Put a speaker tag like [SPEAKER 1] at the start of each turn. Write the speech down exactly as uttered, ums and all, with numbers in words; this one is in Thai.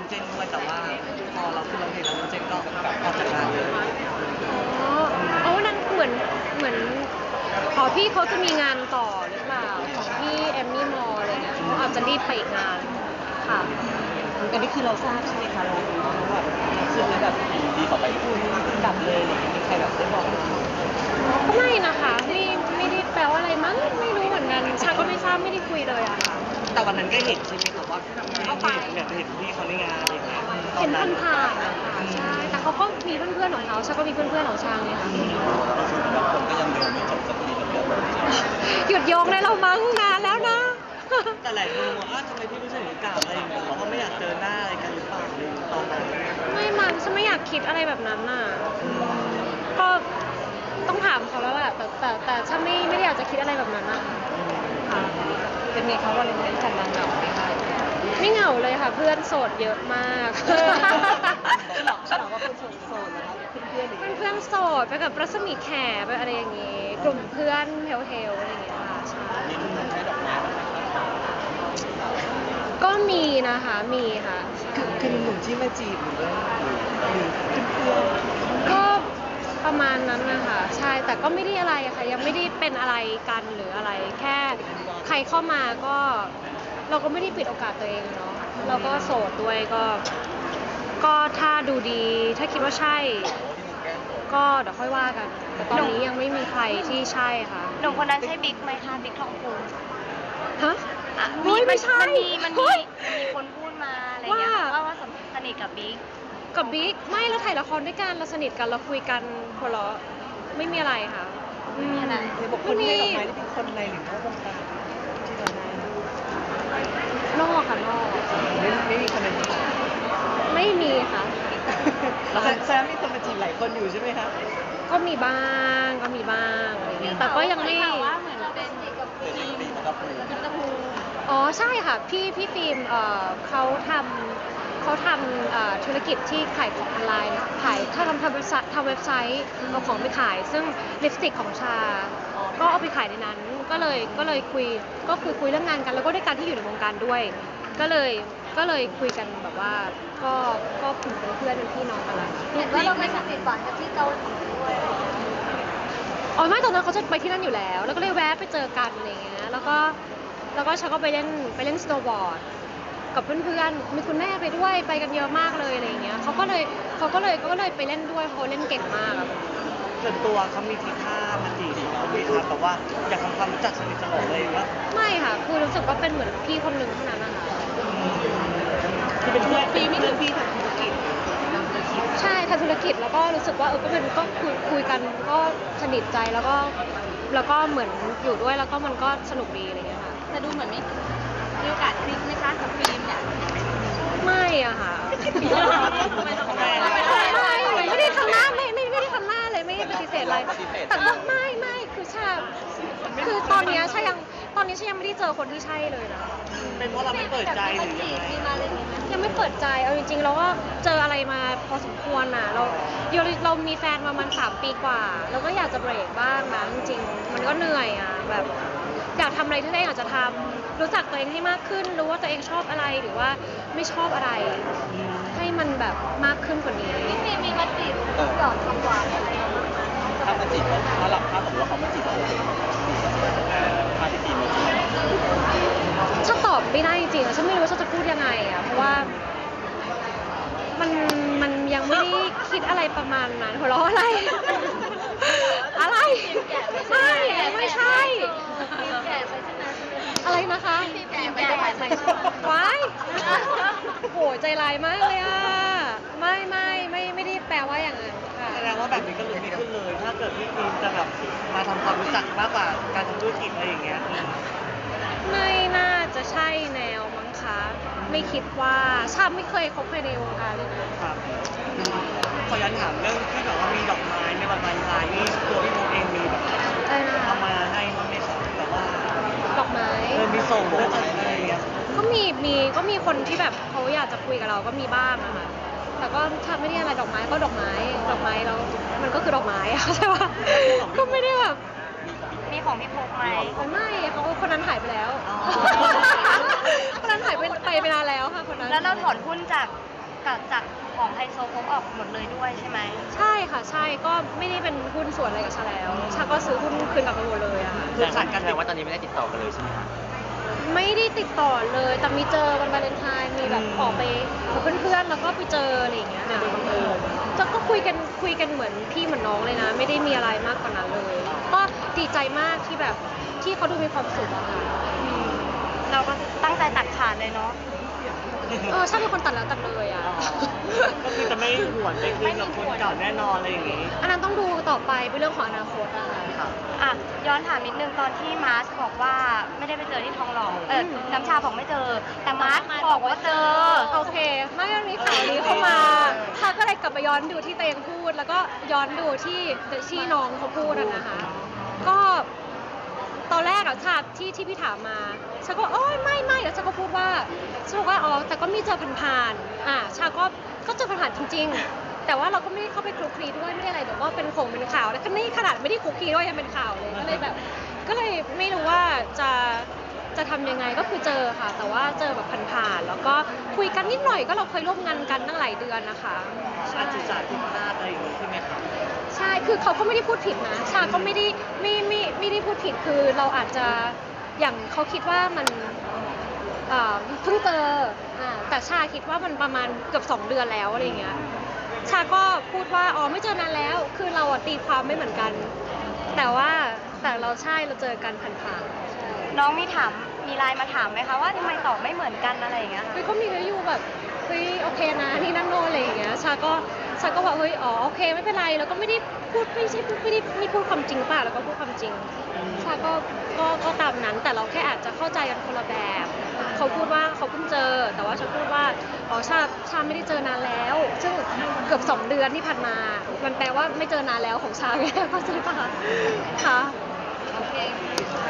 [SPEAKER 1] เจนด้วยแต่ว่าพอเราขึ้นร้องเพลงแล้วน้องเจนก็ออกจากงานเลย
[SPEAKER 2] อ๋ออ๋อวันนั้นเหมือนเหมือนอ๋อพี่เขาจะมีงานต่อหรือเปล่าของพี่เอมมี่มอลอะไรเงี้ยเขาอาจจะรีบไปอีกงานค่ะ
[SPEAKER 1] อันนี้คือเราทราบใช่ไหมคะเรารู้ว่าแบบคือแบบดีต่อไปพูดกลับเลยอะไรอย่างเงี้ยมีใครแบบได้บอกไหม
[SPEAKER 2] ก็ไม่นะคะไม่ไม่ได้แปลว่าอะไรมั้งไม่รู้เหมือนกันชาก็ไม่ทราบไม่ได้คุยเลยอะค่ะ
[SPEAKER 1] แต่วันนั้นก็เห็นใช่ไหมคะว่าเขาไปเนี่ยเห็นพี่เขาในงานอะไรอย่างเงี้ย
[SPEAKER 2] เห็นผ่านๆนะคะใช่แต่เขาก็มีเพื่อนๆของเขาชาก็มีเพื่อนๆของชาไงค่ะ
[SPEAKER 1] คนก็ยังโยงไม่จบสักทีกับเรื่องนี้
[SPEAKER 2] หยุดโยงได้เรามั้งนานแล้วนะ
[SPEAKER 1] แต่หลายคนบอกว่าทำไมพี่ไม่ใช่หนูกล่าวอะไรอย่างเงี้ยเขาไม่อยากเจอหน้าอะไรกันหรือเปล่าตอนนั้น
[SPEAKER 2] ไม่มันฉันไม่อยากคิดอะไรแบบนั้นน่ะก็ต้องถามเขาแล้วแหละแต่แต่แต่ฉันไม่ไม่ได้อยากจะคิดอะไรแบบนั้นนะคะค่ะ
[SPEAKER 1] เป็นไงคะวันนี้จันทร์เหงาไหมคะ
[SPEAKER 2] ไม่เหงาเลยค่ะ เพื่อนโสดเยอะมาก
[SPEAKER 1] ฉลองฉลองว่าเป็นโสดๆนะคะเพื่อนๆหรือ
[SPEAKER 2] เป็นเพื่อนโสดไปกับรัศมีแขไปอะไรอย่างงี้ กลุ่มเพื่อนเฮลๆอะไรอย่างเงี้ยค่ะใช่
[SPEAKER 1] มีหนุ่มให้ดอกไม้บ้างไหมคะ
[SPEAKER 2] ก็มีนะคะมีค่ะ
[SPEAKER 1] คือคือหนุ่มที่มาจีบหรือว่าหรือเพื่อน
[SPEAKER 2] ก็ประมาณนั้นนะคะใช่แต่ก็ไม่ได้อะไรอะค่ะยังไม่ได้เป็นอะไรกันหรืออะไร แค่ใครเข้ามาก็เราก็ไม่ได้ปิดโอกาสตัวเองเนาะเราก็โสดด้วยก็ก็ถ้าดูดีถ้าคิดว่าใช่ ก็เดี๋ยวค่อยว่ากัน แต่ตอนนี้ยังไม่มีใครที่ใช่ค่ะ
[SPEAKER 3] หนุ่มคนนั้นใช่บิ๊กไหมคะบิ๊กทองภูมิ
[SPEAKER 2] ฮะ
[SPEAKER 3] อ่ะ
[SPEAKER 2] เฮ้ยไม่ใช่
[SPEAKER 3] มันมีมัน
[SPEAKER 2] เฮ้
[SPEAKER 3] มี
[SPEAKER 2] ย
[SPEAKER 3] มีคนพูดมาอะไรอย่างเงี้ย
[SPEAKER 2] ว่า
[SPEAKER 3] ว่าว่าสนิทกับบิ๊ก
[SPEAKER 2] กับบิ๊กไม่เราถ่ายละครด้วยกันเราสนิทกันเราคุยกันหัวเราะไม่มีอะไรค่ะอืม
[SPEAKER 1] ๆในบอกคนให้ดอกไม้ที่เป็นคนในหรือนอกวงการที่เราได้
[SPEAKER 2] นอกค่ะนอก
[SPEAKER 1] ไม่ไม่มีคนในที่
[SPEAKER 2] ไม่มีค่ะ
[SPEAKER 1] แล้วแซมมีคนมาจีบหลายคนอยู่ใช่ไหมคะ
[SPEAKER 2] ก็มีบ้างก็มีบ้างอะไรเงี้ยแต่ก็ยังไม่
[SPEAKER 3] ข่าวว่าเหมือนเป็นกับฟิล์มกับตะพู
[SPEAKER 2] อ๋อใช่ค่ะพี่พี่ฟิล์มเอ่อเขาทำเขาทำเอ่อธุรกิจที่ขายของออนไลน์ขายถ้าทำทำเว็บไซต์ทำเว็บไซต์เอาของไปขาย ซึ่งลิปสติกของชา ก็เอาไปขายในนั้น ก็เลยก็เลยคุยก็คือคุยเรื่องงานกัน แล้วก็ด้วยการที่อยู่ในวงการด้วย ก็เลยก็เลยคุยกันแบบว่าก็ก็เป็นเพื่อนเป็นพี่น้องกันแล้ว
[SPEAKER 3] เห็นว่าเราไปสนิทหวานกับที่เกาหลีด้วย
[SPEAKER 2] อ๋อไม่ตอนนั้นเขาจะไปที่นั่นอยู่แล้ว แล้วก็เลยแวะไปเจอกันอะไรเงี้ยแล้วก็แล้วก็ชาก็ไปเล่นไปเล่นสโนว์บอร์ดกับเพื่อนๆมีคุณแม่ไปด้วยไปกันเยอะมากเลยอะไรเงี้ยเขาก็เลยเขาก็เลยก็เลยไปเล่นด้วยเขาเล่นเก่งมากอะ
[SPEAKER 1] ส่วนตัวเขามีทีท่ามาจีบเราไหมคะแบบว่าอยากทำความรู้จักสนิทสนมเลยว่า
[SPEAKER 2] ไม่ค่ะคือรู้สึกว่าเป็นเหมือนพี่คนหนึ่งเท่านั้นนะคะ
[SPEAKER 1] ที่เป็นเพื่อนเป็นเพื่อนพี่ทำธุรกิจ
[SPEAKER 2] ใช่ทำธุรกิจแล้วก็รู้สึกว่าเออก็เป็นก็คุยคุยกันก็สนิทใจแล้วก็แล้วก็เหมือนอยู่ด้วยแล้วก็มันก็สนุกดีอะไรเงี้ยค่ะ
[SPEAKER 3] แต่ดูเหมือนไม่มีโอกาสคลิกไหมคะกับฟิล์มเนี่ย
[SPEAKER 2] ไม่อะค่ะ
[SPEAKER 3] ไม่ต้อง
[SPEAKER 1] ไม่
[SPEAKER 3] ไม่
[SPEAKER 2] ไม่
[SPEAKER 3] ต้อง
[SPEAKER 2] ไม่ไม่ไม่ได้ทำหน้าไม่ไม่ไม่ได้ทำหน้าเลยไม่ได้ปฏิเสธอะไรแต่ก็ไม่ไม่คือชาคือตอนเนี้ยชายังตอนนี้ชายังไม่ได้เจอคนที่ใช่เลยนะ
[SPEAKER 1] เป็นเพราะเราไม่เปิดใจหรือยังไง
[SPEAKER 3] มีมาเลยไหม
[SPEAKER 2] ยังไม่เปิดใจเอาจริงๆเราก็เจออะไรมาพอสมควรน่ะเราเราเรามีแฟนมามันสามปีกว่าเราก็อยากจะเบรกบ้างนะจริงๆมันก็เหนื่อยอ่ะแบบอยากทำอะไรที่ตัวเองอยากจะทำรู้จักตัวเองให้มากขึ้น รู้ว่าตัวเองชอบอะไรหรือว่าไม่ชอบอะไร ให้มันแบบมากขึ้นกว่านี้
[SPEAKER 3] พี่ฟิล์มมีมาจีบหยอดคำหวานอะไรอย่างเงี้ย
[SPEAKER 1] ถ้ามาจีบถ้าหลับถ้าผมว่าเขามาจีบเราถ้าที่จีบมาจีบ
[SPEAKER 2] ฉันตอบไม่ได้จริงๆอะฉันไม่รู้ว่าฉันจะพูดยังไงอ่ะเพราะว่ามันมันยังไม่ได้คิดอะไรประมาณนั้นหัวเราะอะไร อะไรไม่ไม่ใช่
[SPEAKER 3] ฟิล์มแก่ไปใช่ไหม
[SPEAKER 2] อะไรนะคะ
[SPEAKER 3] ฟิล์มแก่ไปใช่ไหม
[SPEAKER 2] ว้ายโหใจร้ายมากเลยอ่ะไม่ไม่ไม่ไม่ได้แปลว่าอย่างนั้นค่ะ
[SPEAKER 1] แสดงว่าแบบนี้ก็ลุ้นไม่ขึ้นเลย ถ้าเกิดพี่ฟิล์มจะแบบมาทำความรู้จักมากกว่าการทำธุรกิจอะไรอย่างเงี้ย
[SPEAKER 2] ไม่น่าจะใช่แนวมั้งคะ ไม่คิดว่าชาไม่เคยคบใครในวงการเลยนะครับ
[SPEAKER 1] ขอย้อนถามเรื่องที่แบบว่ามีดอกไม้ในวันวาเลนไทน์นี่ตัวพี่โมเองมีแบบ
[SPEAKER 2] อะไรนะ
[SPEAKER 1] เอามาให้บ้างไหมคะแต่ว่า
[SPEAKER 2] ดอกไม้
[SPEAKER 1] เออมีส่งเรื่องอะไรอย่างเงี้ย
[SPEAKER 2] ก็มีมีก็มีคนที่แบบเขาอยากจะคุยกับเราก็มีบ้างอะค่ะแต่ก็ถ้าไม่ได้อะไรดอกไม้ก็ดอกไม้ดอกไม้แล้วมันก็คือดอกไม้อะ ใช่ปะก็ไม่ได้แบบ
[SPEAKER 3] มีของพี่พกไหม
[SPEAKER 2] ไม่เขาคนนั้นหายไปแล้ว คนนั้นหายไปไปไปนานแล้วค่ะคนนั้น
[SPEAKER 3] แล้วเราถอนหุ้นจาก
[SPEAKER 4] กับจากของไฮโซโพกออกหมดเลยด้วยใช่ไหม
[SPEAKER 2] ใช่ค่ะใช่ก็ไม่ได้เป็นหุ้นส่วนอะไรกับชาแล้วชาก็ซื้อหุ้นคืนกลับไปหมดเลยอะค่ะ
[SPEAKER 1] คือขาดกันแสดงว่าตอนนี้ไม่ได้ติดต่อกันเลยใช่ไหมคะ
[SPEAKER 2] ไม่ได้ติดต่อเลยแต่มีเจอวันวาเลนไทน์มีแบบออกไปกับเพื่อนๆแล้วก็ไปเจออะไรอย่างเงี้ยค่ะจะก็คุยกันคุยกันเหมือนพี่เหมือนน้องเลยนะ ไม่ได้มีอะไรมากกว่านั้นเลย ก็ดีใจมากที่แบบที่เขาดูมีความสุขอะค่ะ
[SPEAKER 4] เราก็ตั้งใจตัดขาดเลยเนาะ
[SPEAKER 2] เออชาเป็นคนตัดแล้วตัดเลยอะ
[SPEAKER 1] ก็คือจะไม่หวนไปคืนกับคนเก่าแน่นอนอะไรอย่างงี้
[SPEAKER 2] อันนั้นต้องดูต่อไปเป็นเรื่องของอนาคตอะค่ะ
[SPEAKER 1] ค่ะ
[SPEAKER 4] อ่ะย้อนถามนิดนึงตอนที่มาร์ชบอกว่าไม่ได้ไปเจอที่ทองหล่อเออ
[SPEAKER 2] อืม
[SPEAKER 4] น้ำชาบอกไม่เจอ แต่มาร์ชบอกว่าเจอ
[SPEAKER 2] โอเคเมื่อมีข่าวนี้เข้ามาชาก็เลยกลับไปย้อนดูที่ตัวเองพูด แล้วก็ย้อนดูที่ที่น้องเขาพูดอะนะคะ ก็ตอนแรกอะชาที่ที่พี่ถามมาชาก็โอ้ยไม่ไม่แล้วชาก็พูดว่าชาบอกว่าอ๋อแต่ก็มีเจอผ่านๆอ่าชาก็ก็เจอผ่านๆจริง ๆ แต่ว่าเราก็ไม่ได้เข้าไปคลุกคลีด้วยไม่ได้อะไรแต่ว่าเป็นคงเป็นข่าวแล้วก็นี่ขนาดไม่ได้คลุกคลีด้วยยังเป็นข่าวเลยก็เลยแบบ ก็เลยไม่รู้ว่าจะจะทำยังไงก็คือเจอค่ะ แต่ว่าเจอแบบผ่านๆแล้วก็คุยกันนิดหน่อยก็เราเคยร่วมงานกันตั้งหลายเดือนนะคะใช่
[SPEAKER 1] อาจิตศาสตร์ผิดพลาดอะไรอย่างงี้ใช่ไหมคะ
[SPEAKER 2] ใช่คือเขาก็ไม่ได้พูดผิดนะชาก็ไม่ได้ไม่ไม่ไม่ได้พูดผิดคือเราอาจจะอย่างเขาคิดว่ามันเอ่อเพิ่งเจออ่าแต่ชาคิดว่ามันประมาณเกือบสองเดือนแล้วอะไรอย่างเงี้ยชาก็พูดว่าอ๋อไม่เจอนานแล้วคือเราอะตีความไม่เหมือนกัน แต่ว่าแต่เราใช่เราเจอกันผ่านๆใช่
[SPEAKER 4] น้องมีถามมีไลน์มาถามไหมคะว่าทำไมตอบไม่เหมือนกันอะไรอย่างเงี้ยค่ะ
[SPEAKER 2] เฮ้ยเขามีกันอยู่แบบเฮ้ยโอเคนะนี่นั่นโน่นอะไรอย่างเงี้ยชาก็ชาก็บอกเฮ้ยอ๋อโอเคไม่เป็นไรแล้วก็ไม่ได้พูดไม่ใช่พูดไม่ได้ไม่พูดความจริงเปล่าแล้วก็พูดความจริงชาก็ก็ก็ตามนั้นแต่เราแค่อาจจะเข้าใจกันคนละแบบเขาพูดว่าเขาเพิ่งเจอ แต่ว่าชาพูดว่าอ๋อชาชาไม่ได้เจอนานแล้ว ซึ่งเกือบสองเดือนที่ผ่านมา มันแปลว่าไม่เจอนานแล้วของชาไงเข้าใจปะคะค่ะ
[SPEAKER 3] โอเค